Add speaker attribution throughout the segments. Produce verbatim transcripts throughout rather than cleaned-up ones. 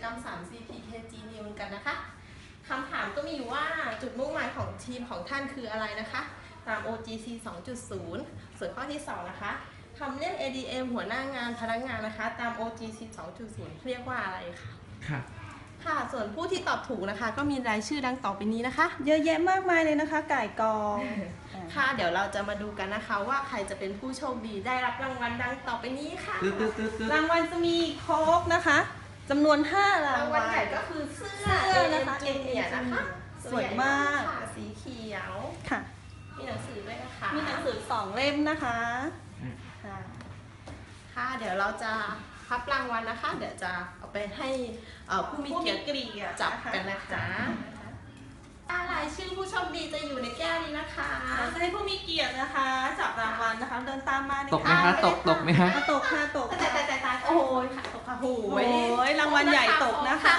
Speaker 1: ม ทรี ซี พี เค จี News กันนะคะคำถามก็มีอยู่ว่าจุดมุ่งหมายของทีมของท่านคืออะไรนะคะตาม โอ จี ซี สองจุดศูนย์ ส่วนข้อที่สองนะคะคำเรียก เอ ดี เอ็ม หัวหน้างานพนักงานนะคะตาม โอ จี ซี สองจุดศูนย์ เรียกว่าอะไรคะ
Speaker 2: ค่ะ
Speaker 1: ค่ะส่วนผู้ที่ตอบถูกนะคะก็มีรายชื่อดังต่อไปนี้นะคะ
Speaker 3: เยอะแยะมากมายเลยนะคะไก่กอง
Speaker 1: ค่ะเดี๋ยวเราจะมาดูกันนะคะว่าใครจะเป็นผู้โชคดีได้รับรางวัลดังต่อไปนี้ค่ะ
Speaker 3: รางวัลจะมีโค้กนะคะจำนวนห้าราร
Speaker 1: างงวัลใหญ่ก็คือเสื้อ
Speaker 3: เสื้อนะคะ
Speaker 1: เอ เอ็ม เนี่ยนะคะ
Speaker 3: สวยมาก
Speaker 1: สีเขียว
Speaker 3: ค่ะ
Speaker 1: มีหนังสือด้วยนะคะ
Speaker 3: มีหนังสือสองเล่มนะคะ
Speaker 1: ค่ะค่ะเดี๋ยวเราจะพับรางวัลนะคะเดี๋ยวจะเอาไปให้ผู้มีเกียรติจับกันนะคะรายชื่อผู้โชคดีจะอยู่ในแก้วนี้นะคะ
Speaker 3: จะให้ผู้มีเกียรตินะคะจับรางวัลนะคะเดินตามมา
Speaker 2: ตกไหมคะตกตกไหมคะ
Speaker 3: ตกค่ะตก
Speaker 1: แต่แต่แต่แต่โอ้ยค่ะตกค่ะโอ้
Speaker 3: ยรางวัลใหญ่ตกนะคะ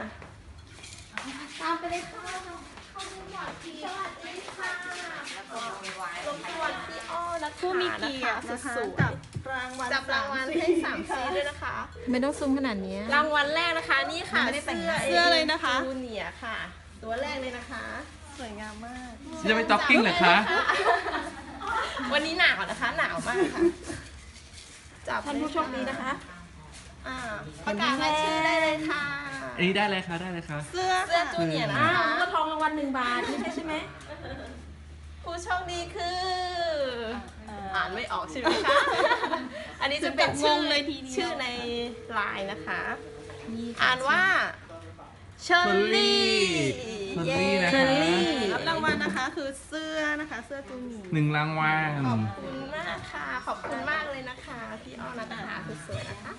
Speaker 1: ตามไปเลยค่ะเข้าดูหมดทีสวัสดีค่ะรบกวนพี่อ้อนะคะ
Speaker 3: ผู้มีเกียรตินะคะจับรางวัล
Speaker 1: จับรางวัลให้สามซีด้วยนะคะ
Speaker 4: ไม่ต้องซูมขนาดนี้
Speaker 1: รางวัลแรกนะคะนี่ค่ะเสื้อ
Speaker 3: เสื้อเลยนะคะ
Speaker 1: จูเนียร์ค่ะตัวแรกเลยนะคะ
Speaker 3: สวยงามมาก
Speaker 2: จะไปจ็อกกิ้งเหรอคะ
Speaker 1: วันนี้หนาวนะคะหนาวมากค่ะจับ
Speaker 4: ท่านผู้โชคดีนะคะ
Speaker 1: อ่าประกาศรายชื่อได้เลยค่ะ
Speaker 2: อันนี้ได้เลยค่ะได้เลยค่ะ
Speaker 1: เสื้อเสื้อจูเนียร์นะคะ
Speaker 4: ก็ทองรางวัลหนึ่งบาทไม่ใช่ใช่ไหม
Speaker 1: ผู้โชคดีคืออ่านไม่ออกใช่ไหมคะอันนี้จะเป็นชื่อเลยทีชื่อในไลน์นะคะอ่านว่าเชอร์รี่
Speaker 2: เชอร์รี่นะ
Speaker 1: เชอ
Speaker 2: คะ
Speaker 1: ร์รี่
Speaker 3: รับรางวัลนะคะคือเสื้อนะคะเสื้อจูเนียร์
Speaker 2: หนึ่งรางวัล
Speaker 1: ขอบคุณมากค่ะขอบคุณมากเลยนะคะพี่อ้อนะคะคือสวยนะคะ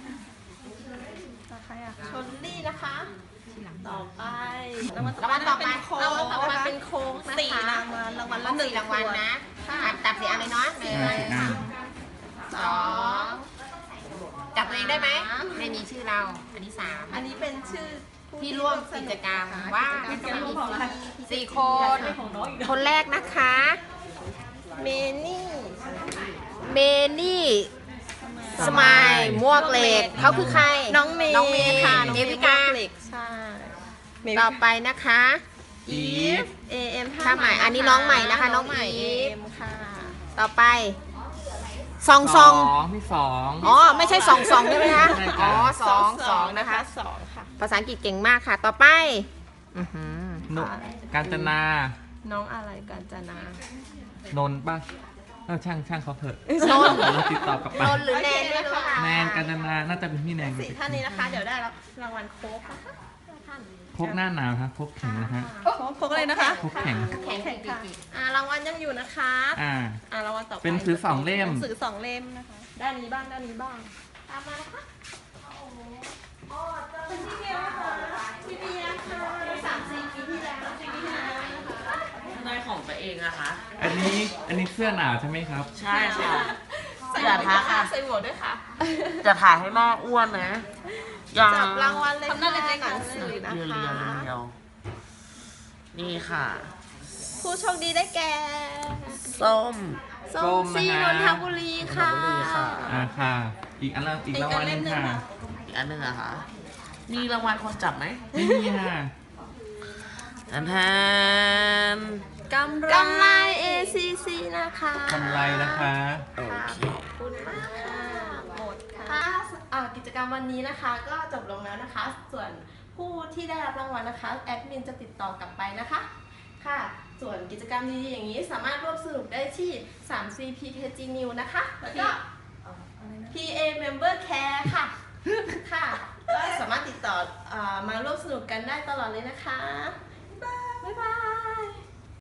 Speaker 1: เชอร์รี่นะคะต่อไป
Speaker 3: รางวัลต่อไปเป็นโค้ก
Speaker 1: ต่อไปเป็นโค้กนะคะ
Speaker 3: สี่รางวัลรางวัลละหนึ่ง
Speaker 1: รางวัลนะตัดสีอะไรเนาะหนึ่งสองจับตัวเองได้ไหมไม่มีชื่อเราอันนี้สามอันนี้เป็นชื่อที่ร่วมกิจกรรมว่าสี่คนคนแรกนะคะเมนี่เมนี่สมายมวกเหล็กเขาคือใครน้องเมย์น้องเมย์ค่ะเอวิกาใช่ต่อไปนะคะอีฟเอเอ็มท่าใหม่อันนี้น้องใหม่นะคะน้องใหม่อีฟค่ะต่อไปสองสอง
Speaker 2: ที่สอง
Speaker 1: อ๋อไม่ใช่สองสองใช่ไหมคะอ๋อสองสองนะคะสองค่ะภาษาอังกฤษเก่งมากค่ะต่อไป
Speaker 2: นุกาญจนา
Speaker 1: น้องอะไรกาญจนาน
Speaker 2: นป่ะเออช่างช่างเขาเถอะ
Speaker 1: นน
Speaker 2: เราติดต่อกลับไป
Speaker 1: นนหรือแนนด้วยค่ะ
Speaker 2: แนนกาญจนาน่าจะเป็นพี่แนน
Speaker 1: สี่ท่านนี้นะคะเดี๋ยวได้รับรางวัลโค้กนะคะ
Speaker 2: โค้กหน้าหนาวครับโค้กแข็งนะฮะ
Speaker 3: โค้กอะไรนะคะ
Speaker 2: โค้กแข็ง
Speaker 1: แข็งแข็งค่ะอ่ารางวัลยังอยู่นะคะ
Speaker 2: อ่า
Speaker 1: อ่ารางวัลต่อไป
Speaker 2: เป็นซื้อสองเล่ม
Speaker 3: ซื้อสองเล่มนะคะ
Speaker 1: ด้านนี้บ้างด้านนี้บ้างตามมานะคะอ๋อเจอพี่เบียร์ค่ะพี่เบียร์ค่ะสามสี่ปีที่แล้วปีที่แล้ว
Speaker 5: นายของตัวเองอะคะ
Speaker 2: อันนี้อันนี้เสื้อหนาวใช่ไหมครับ
Speaker 5: ใช่ค่ะ
Speaker 1: อย่าท้าค่ะใส่หมวกด้วยค่ะ
Speaker 5: จะถ่ายให้แม่อ้วนนะ
Speaker 1: จับรางวัลเลยค่ะหนังสือนะคะ
Speaker 5: เรียวนี่ค่ะ
Speaker 1: ผู้โชคดีได้แก่
Speaker 5: ส้ม
Speaker 1: ส้มซีนนทบุรีค่ะ
Speaker 2: อ่าค่ะอีกอันละอีกรางวัลนึงค่ะ
Speaker 5: อีกอันนึงอะคะมีรางวัลคนจับไหม
Speaker 2: ไม่มีค่ะ
Speaker 5: แทนแทน
Speaker 1: กำไรกำไร เอ ซี ซี นะคะ
Speaker 2: กำไรนะคะ
Speaker 5: โอเค
Speaker 1: ขอบคุณมากค่ะหมดค่ะกิจกรรมวันนี้นะคะก็จบลงแล้วนะคะส่วนผู้ที่ได้รับรางวัลนะคะแอดมินจะติดต่อกลับไปนะคะค่ะส่วนกิจกรรมดีๆอย่างนี้สามารถร่วมสนุกได้ที่ ทรี ซี พี เค จี News นะคะแล้วก็ พี เอ Member Care ค่ะค่ะก็สามารถติดต่อมาร่วมสนุกกันได้ตลอดเลยนะคะ